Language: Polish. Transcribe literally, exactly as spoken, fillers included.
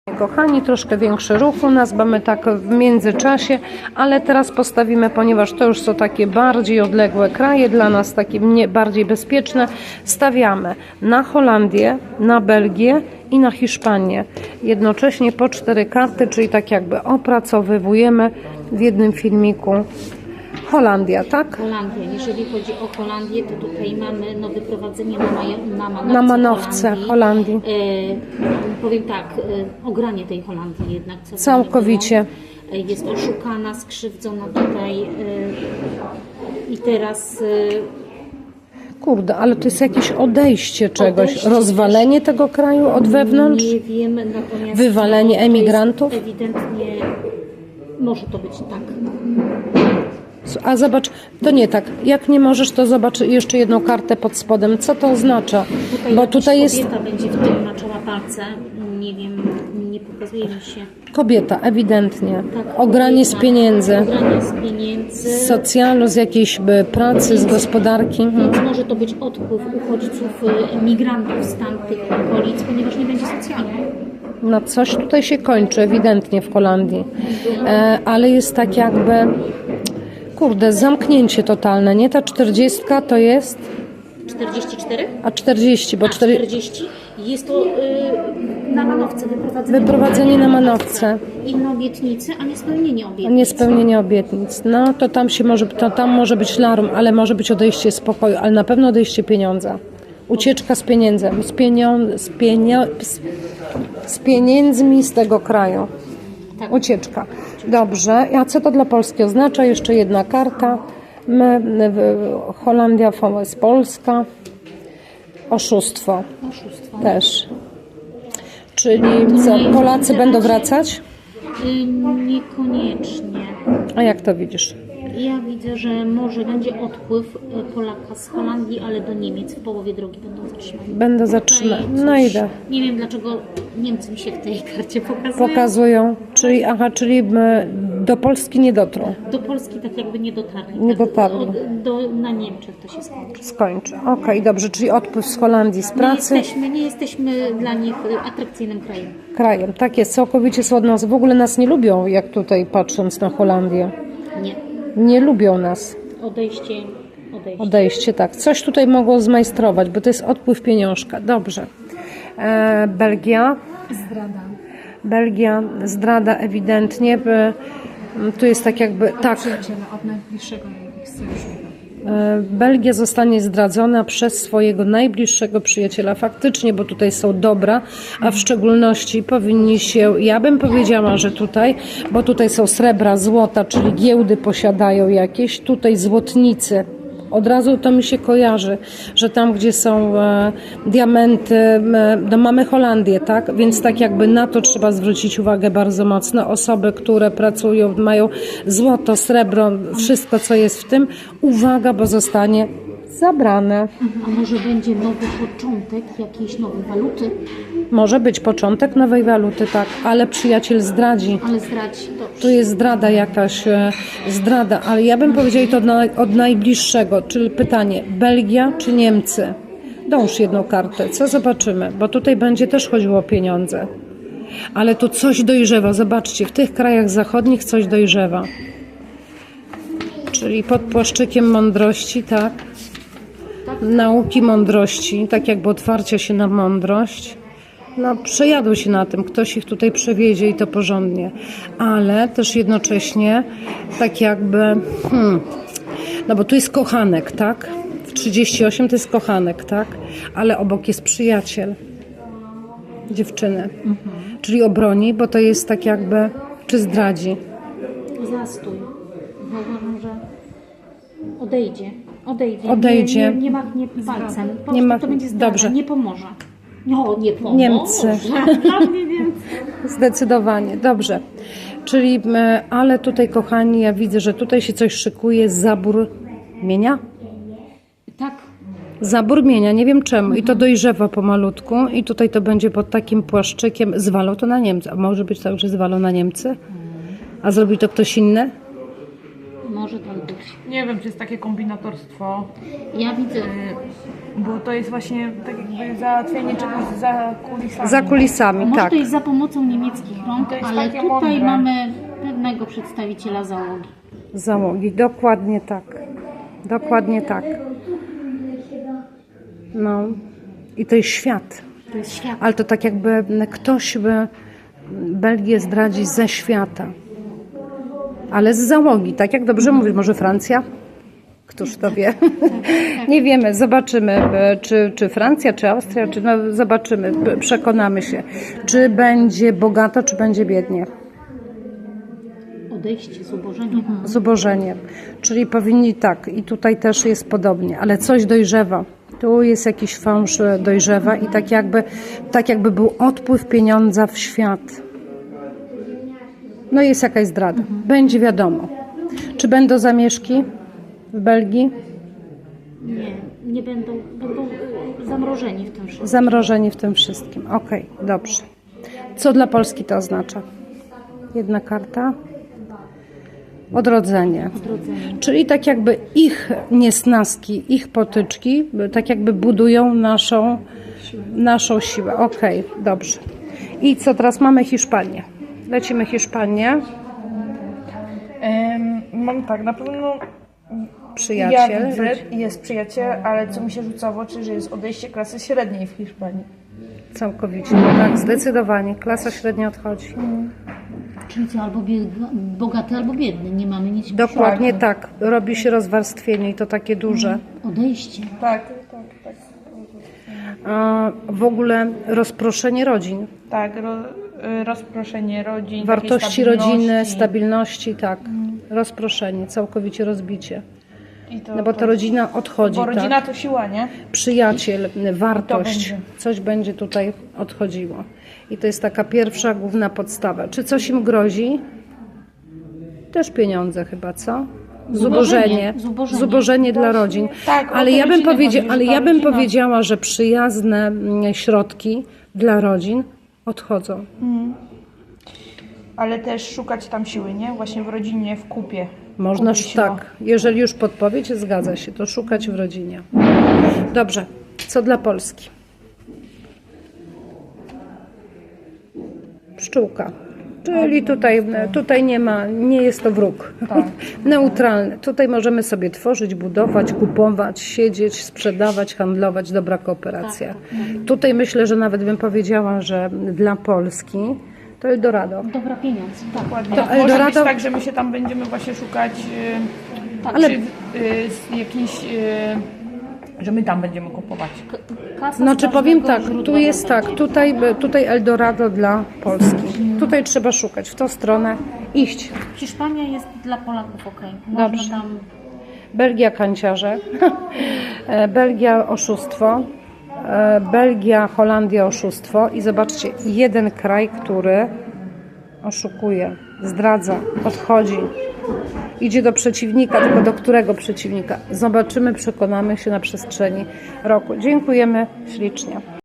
Kochani, troszkę większy ruch u nas, bo my tak w międzyczasie, ale teraz postawimy, ponieważ to już są takie bardziej odległe kraje, dla nas takie nie, bardziej bezpieczne, stawiamy na Holandię, na Belgię i na Hiszpanię. Jednocześnie po cztery karty, czyli tak jakby opracowywujemy w jednym filmiku Holandia, tak? Holandia. Jeżeli chodzi o Holandię, to tutaj mamy no, wyprowadzenie na, maja, na manowce, Na manowce Holandii. E, powiem tak, e, ogranie tej Holandii jednak. Co Całkowicie. E, jest oszukana, skrzywdzona tutaj e, i teraz... E, Kurde, ale to jest jakieś odejście czegoś, Odejście rozwalenie tego kraju od wewnątrz, nie wiem, natomiast wywalenie to jest emigrantów. Ewidentnie może to być tak. A zobacz, to nie tak. Jak nie możesz, to zobacz jeszcze jedną kartę pod spodem. Co to oznacza? Tutaj Bo tutaj jest kobieta będzie w tym maczała palce. Nie wiem, nie pokazuje mi się. kobieta, ewidentnie. Tak, Ogranie z kobieta. pieniędzy, Ogranie z pieniędzy. z socjalu, z jakiejś by, pracy, z gospodarki. Więc może to być odpływ uchodźców, y, migrantów z tamtych okolic, ponieważ nie będzie socjalny. No coś tutaj się kończy, ewidentnie w Holandii. E, ale jest tak jakby, kurde, zamknięcie totalne, nie? Ta czterdziestka to jest, czterdzieści cztery? a czterdzieści, bo A, cztery, czterdzieści. Jest to y, na manowce, wyprowadzenie, wyprowadzenie na manowce. Inne obietnice, a niespełnienie obietnic. Niespełnienie obietnic. No to tam się może, to tam może być larum, ale może być odejście z pokoju, ale na pewno odejście pieniądza. Ucieczka z pieniędzem, z, pienio, z, pienio, z, z pieniędzmi z tego kraju. Tak. Ucieczka. Dobrze. A co to dla Polski oznacza? Jeszcze jedna karta. My, Holandia jest Polska. Oszustwo. Oszustwo. Też. Czyli co, Polacy będą wracać? Y, niekoniecznie. A jak to widzisz? Ja widzę, że może będzie odpływ y, Polaka z Holandii, ale do Niemiec w połowie drogi będą zatrzymani. Będę zatrzymać. Tutaj No coś- idę. Nie wiem dlaczego Niemcy mi się w tej karcie pokazują. Pokazują. Czyli, aha, czyli my do Polski nie dotrą. Do Polski tak jakby nie dotarli. Nie tak, dotarli. od- Do, na Niemczech to się skończy. Skończy. Okej, dobrze. Czyli odpływ z Holandii z Nie pracy. jesteśmy, nie jesteśmy dla nich y, atrakcyjnym krajem. Krajem. Tak jest. Całkowicie są od nas. W ogóle nas nie lubią, jak tutaj patrząc na Holandię. Nie. Nie lubią nas. Odejście, odejście. Odejście, tak. Coś tutaj mogło zmajstrować, bo to jest odpływ pieniążka. Dobrze. E, Belgia. Zdrada. Belgia, zdrada ewidentnie. By, tu jest tak jakby, tak, Przyjaciela od najbliższego ich sojusznika. e, Belgia zostanie zdradzona przez swojego najbliższego przyjaciela. Faktycznie, bo tutaj są dobra, a w szczególności powinni się, ja bym powiedziała, że tutaj, bo tutaj są srebra, złota, czyli giełdy posiadają jakieś, tutaj złotnicy. Od razu to mi się kojarzy, że tam, gdzie są e, diamenty, e, no mamy Holandię, tak? Więc tak jakby na to trzeba zwrócić uwagę bardzo mocno. Osoby, które pracują, mają złoto, srebro, wszystko, co jest w tym, uwaga, bo zostanie zabrane. A może będzie nowy początek jakiejś nowej waluty, Może być początek nowej waluty, tak, ale przyjaciel zdradzi. ale zdradzi. Dobrze. Tu jest zdrada jakaś, e, zdrada, ale ja bym powiedziała to od, na, od najbliższego, czyli pytanie, Belgia czy Niemcy? Dąż jedną kartę, co zobaczymy, bo tutaj będzie też chodziło o pieniądze. Ale tu coś dojrzewa, zobaczcie, w tych krajach zachodnich coś dojrzewa. Czyli pod płaszczykiem mądrości, tak? Nauki mądrości, tak jakby otwarcia się na mądrość. No, przejadą się na tym, ktoś ich tutaj przewiezie i to porządnie, ale też jednocześnie tak jakby, hmm, no bo tu jest kochanek, tak? W trzydzieści osiem to jest kochanek, tak? Ale obok jest przyjaciel dziewczyny, mhm. Czyli obroni, bo to jest tak jakby, czy zdradzi. Zastój. Uważam, że odejdzie. Odejdzie. Odejdzie. Nie, nie, nie machnie palcem. Po Nie prostu mach- to będzie zdrada. Dobrze. Nie pomoże. No, nie pomoże. Niemcy. Dla mnie Niemcy. Zdecydowanie, dobrze. Czyli, e, ale tutaj kochani, ja widzę, że tutaj się coś szykuje, zabór mienia? Tak. Zabór mienia, nie wiem czemu. I to dojrzewa pomalutku i tutaj to będzie pod takim płaszczykiem. Zwalą to na Niemcy. A może być tak, że zwalą na Niemcy? A zrobi to ktoś inny? Może Może tak być. Nie wiem, czy jest takie kombinatorstwo, Ja widzę, bo to jest właśnie tak jakby załatwienie czegoś za kulisami. Za kulisami, może tak. to jest za pomocą niemieckich rąk, To jest ale takie tutaj mądre. mamy pewnego przedstawiciela załogi. Załogi, dokładnie tak. Dokładnie tak. No. I to jest świat. To jest świat. Ale to tak jakby ktoś by Belgię zdradzić ze świata. Ale z załogi, tak jak dobrze mówisz, może Francja? Któż to wie? Nie wiemy, zobaczymy, e, czy, czy Francja, czy Austria, czy no, zobaczymy, p- przekonamy się, czy będzie bogato, czy będzie biednie. Odejście, zubożenie. Zubożenie. Czyli powinni tak, i tutaj też jest podobnie, ale coś dojrzewa. Tu jest jakiś fałsz e, dojrzewa i tak jakby, tak jakby był odpływ pieniądza w świat. No jest jakaś zdrada. Będzie wiadomo. Czy będą zamieszki w Belgii? Nie, nie będą, będą y, zamrożeni w tym wszystkim. Zamrożeni w tym wszystkim. Okej, dobrze. Co dla Polski to oznacza? Jedna karta. Odrodzenie. Odrodzenie. Czyli tak jakby ich niesnaski, ich potyczki, tak jakby budują naszą, naszą siłę. Okej, dobrze. I co teraz mamy? Hiszpanię. Lecimy Hiszpanię. Em, mam tak, na pewno Przyjaciel. ja widzę, jest przyjaciel, ale co mi się rzuca w oczy, że jest odejście klasy średniej w Hiszpanii. Całkowicie. Tak, zdecydowanie. Klasa średnia odchodzi. Czyli co, albo bieg- bogaty, albo biedny. Nie mamy nic. Dokładnie tak. Robi się rozwarstwienie i to takie duże. Odejście. Tak, tak, tak. A w ogóle rozproszenie rodzin. Tak, ro, y, rozproszenie rodzin, Wartości takiej stabilności. rodziny, stabilności, tak. Rozproszenie, całkowicie rozbicie. I to, No bo ta rodzina odchodzi, Bo rodzina tak? to siła, nie? Przyjaciel, wartość, będzie. coś będzie tutaj odchodziło. I to jest taka pierwsza, główna podstawa. Czy coś im grozi? Też pieniądze chyba, co? Zubożenie. Zubożenie. Zubożenie dla rodzin. Tak, o ale te ja bym, rodziny powiedzia- chodzi, że ale ta ja bym rodzina- powiedziała, że przyjazne mm, środki dla rodzin odchodzą. Ale też szukać tam siły, nie? Właśnie w rodzinie, w kupie. Można, Kupie siła. tak, jeżeli już podpowiedź zgadza się, to szukać w rodzinie. Dobrze, co dla Polski? Pszczółka. Czyli tutaj, tutaj nie ma, nie jest to wróg. Neutralny. Tutaj możemy sobie tworzyć, budować, kupować, siedzieć, sprzedawać, handlować, dobra kooperacja. Tutaj myślę, że nawet bym powiedziała, że dla Polski to Eldorado. Dobra pieniądz. Tak. Dokładnie. To Może być Eldorado- tak, że my się tam będziemy właśnie szukać Tak. Ale- ale... czy, y, z jakiś, y, że my tam będziemy kupować. K- Kasa Znaczy z powiem każdego tak, tu źródła jest będzie. tak, tutaj, tutaj Eldorado dla Polski. Tutaj trzeba szukać, w tą stronę iść. Hiszpania jest dla Polaków ok. Dobrze. Można tam Belgia kanciarze, E, Belgia oszustwo, E, Belgia, Holandia oszustwo i zobaczcie, jeden kraj, który oszukuje, zdradza, odchodzi, idzie do przeciwnika, tylko do którego przeciwnika? Zobaczymy, przekonamy się na przestrzeni roku. Dziękujemy ślicznie.